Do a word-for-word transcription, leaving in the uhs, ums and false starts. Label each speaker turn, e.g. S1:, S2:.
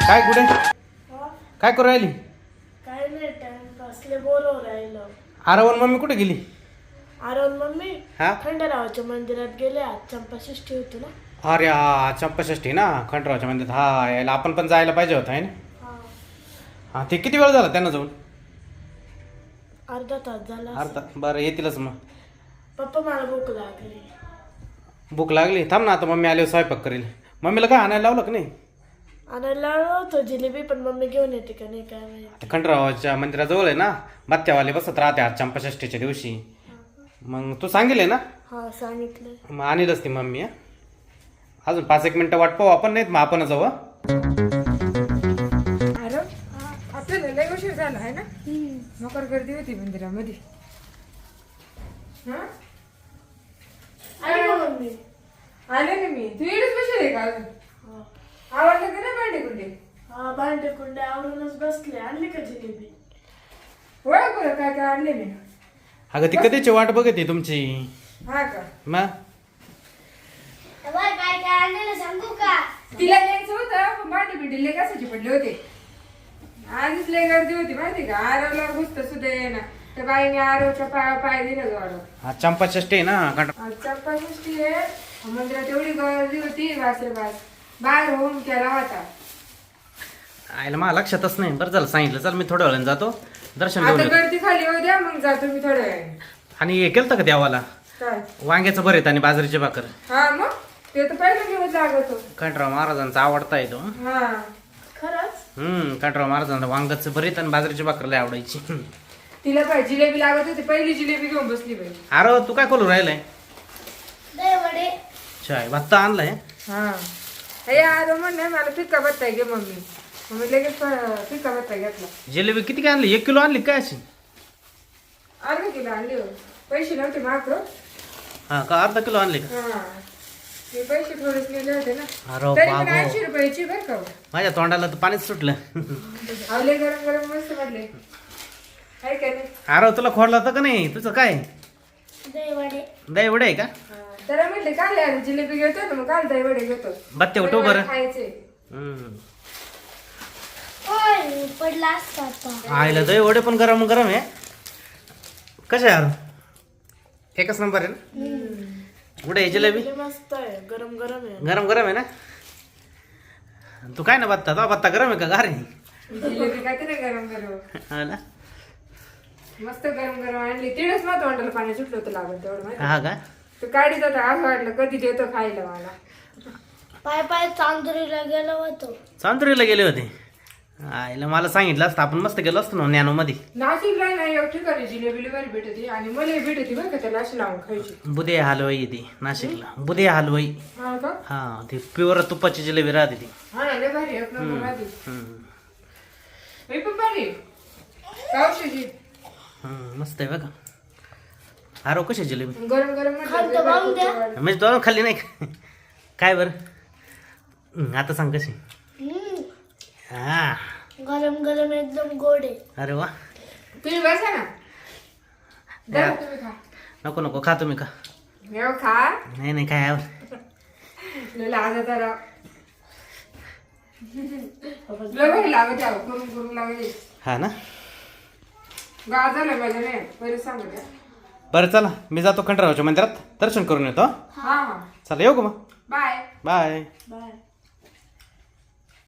S1: काय कुठे काय करू राहिली?
S2: काय नाही टाइमपासले बोलव राहिलं.
S1: आरवण मम्मी कुठे गेली?
S2: आरवण मम्मी
S1: हा
S2: खंडरावाच्या मंदिरात गेले. आज चंपाषष्ठी होती ना.
S1: अरे हा चंपाषष्ठी ना खंडरावच्या मंदिरात. हा यायला आपण पण जायला पाहिजे होतं आहे ना.
S2: हा
S1: हा ते किती वेळ झाला त्यांना जाऊन?
S2: अर्धा तास झाला असेल.
S1: अर्धा बरं येतीलच मग.
S2: पप्पा मला भूक लागली.
S1: भूक लागली थांब ना आता मम्मी आल्यावर स्वयंपाक करेल. मम्मीला काय आणायला लावलं का नाही?
S2: आणायला होतो जिलेबी पण मम्मी घेऊन येते का नाही काय माहिती.
S1: ते खंडरावाच्या मंदिराजवळ आहे ना बत्त्यावाले बसत राहते आज चंपाषष्ठीच्या दिवशी. मग तू सांगितले ना?
S2: हा सांगितलं.
S1: मग आणीलच ती मम्मी. हा अजून पाच एक मिनिटं वाट पाहू आपण, नाहीत मग आपण जाऊ. हा?
S3: अरे आपल्याला लय उशीर झाला आहे ना. मकर गर्दी होती मंदिरामध्ये. हा
S2: आली का मम्मी?
S3: आले ना मी. तू येणच बसेल आहे का अजून?
S2: हा.
S3: आवडलं का नाही भांडे कुंडे?
S2: हा भांडे कुंडे आवरूनच बसले. आणली का जिलेबी?
S3: ओळख बरं काय काय आणले मी.
S1: अगं ती कधीची वाट बघते तुमची.
S3: हा का
S1: मग
S2: काय काय आणलेलं सांगू का?
S3: तिला यायचं होतं पण भांडे बिंडे लय कसाचे पडले होते. आधीच लय गर्दी होती माहिती का. आरवला घुसत सुद्धा येणार. त्या बाईने आरवच्या पाय पाय दिलं वाढव.
S1: हा चंपाषष्ठी आहे ना खंड
S3: आज चंपाषष्ठी आहे. मंदिरात एवढी गर्दी होती वासरे बास बाहेर होऊन केला होता.
S1: आयला मला लक्षातच नाही. बरं झालं सांगितलं. चल मी थोड्या वेळाने जातो दर्शन घेऊन
S3: आता
S1: येतो.
S3: गर्दी खाली होऊ द्या मग जातो मी थोड्या वेळाने.
S1: आणि हे केलं का देवाला
S3: काय
S1: वांग्याचं भरीत आणि बाजरीची भाकर?
S3: हा मग ते तर पहिलं दिवस लागतो.
S1: खंडराव महाराजांचा आवडता येतो.
S3: हा
S2: खरंच?
S1: हम्म खंडराव महाराजांना वांग्याचं भरीत आणि बाजरीची भाकर लय आवडायची.
S3: तिला काय जिलेबी लागत होती. पहिली जिलेबी घेऊन बसली बाई.
S1: अरे तू काय करू राहिलाय?
S2: वडे.
S1: चाय भत्ता आणलाय.
S3: हा हे आरो म्हणणे मला फिक्का बत्ता घे मम्मी. मम्मी लगेच फ- फिक्का बत्ता घेतला.
S1: जिलेबी किती काय आणली? एक किलो आणली काय अशी?
S3: अर्धा किलो आणली हो. पैसे नव्हते मात्र.
S1: हा का अर्धा किलो आणली का?
S3: हा हे पैसे थोडेच नेले होते ना.
S1: अरे
S3: तरी पण
S1: बाबो
S3: ऐंशी रुपयाची बरं का.
S1: माझ्या तोंडाला तर पाणीच सुटलं.
S3: आवले गरम गरम मस्त वाटले आहे का नाही.
S1: अरे तुला खोडला तर का नाही? तुझं काय
S2: वडे.
S1: दही वडे आहे का?
S3: हा, त्याला म्हटले काल यार जिलेबी घेतो ना मग काल दही वडे घेतो.
S1: बत्ते उठव बरं.
S3: खायचे.
S1: हम्म.
S2: ओय पडला असता आता.
S1: आईला दही वडे पण गरम गरम आहे. कसे यार एकच नंबर आहे ना. कुठे आहे जिलेबी?
S2: जिलेबी मस्त आहे. गरम गरम आहे.
S1: गरम गरम आहे ना. तू काय ना बत्ता तो बत्ता गरम आहे का गार आहे?
S3: जिलेबी खाते ना गरम गरम.
S1: हा ना.
S3: मस्त गरम गरम आणली. तिळच मग तोंडाला पाणी सुटलं होतं लागत तेवढं माहिती.
S1: हा का?
S3: तू काढीत होता असं वाटलं कधी देतो खायला मला.
S2: पाय पाय चांदुरीला गेलो होतो.
S1: चांदुरीला गेले होते. आईला मला सांगितलं असतं आपण मस्त गेलो असतो ना नॅनो मध्ये.
S3: नाशिकला नाही एक ठिकाणी जिलेबी बरी भेटते आणि मला भेटते बरं का त्याला अशी लावून खायची.
S1: बुधे हलवाई येते नाशिकला. बुधे हलवाई.
S3: हा का
S1: हा ती प्युअर तुपाची जिलेबी राहते ती.
S3: हा ना लय भारी एक नंबर राहते.
S1: हम्म.
S3: मी पण भारी गावशीची
S1: हम्म, मस्त आहे बघा. अरे कशी आहे जिलेबी?
S3: गरम गरम म्हटलं
S2: खालतं
S3: लय भारी
S2: वाहून द्या.
S3: खूप आवडतं.
S1: म्हणजे दोन खाल्ली नाही का? काय बरं हम्म, आता सांग कशी?
S2: हम्म.
S1: हा
S2: गरम गरम एकदम गोड आहे.
S1: अरे वा.
S3: तुम्ही बसा ना. द्या तुम्ही खा.
S1: नको नको खा तुम्ही का?
S3: मेव खा.
S1: नाही नाही काय आवड.
S3: लय लाजा जरा लय भारी लागत आहे करून करून लागते.
S1: हा ना.
S3: गाव झालं माझं नाही पहिले सांगू द्या.
S1: बरं चला मी जातो खंडरावच्या मंदिरात दर्शन करून येतो.
S3: हा हा
S1: चला येऊ का मग?
S3: बाय.
S1: बाय.
S2: बाय.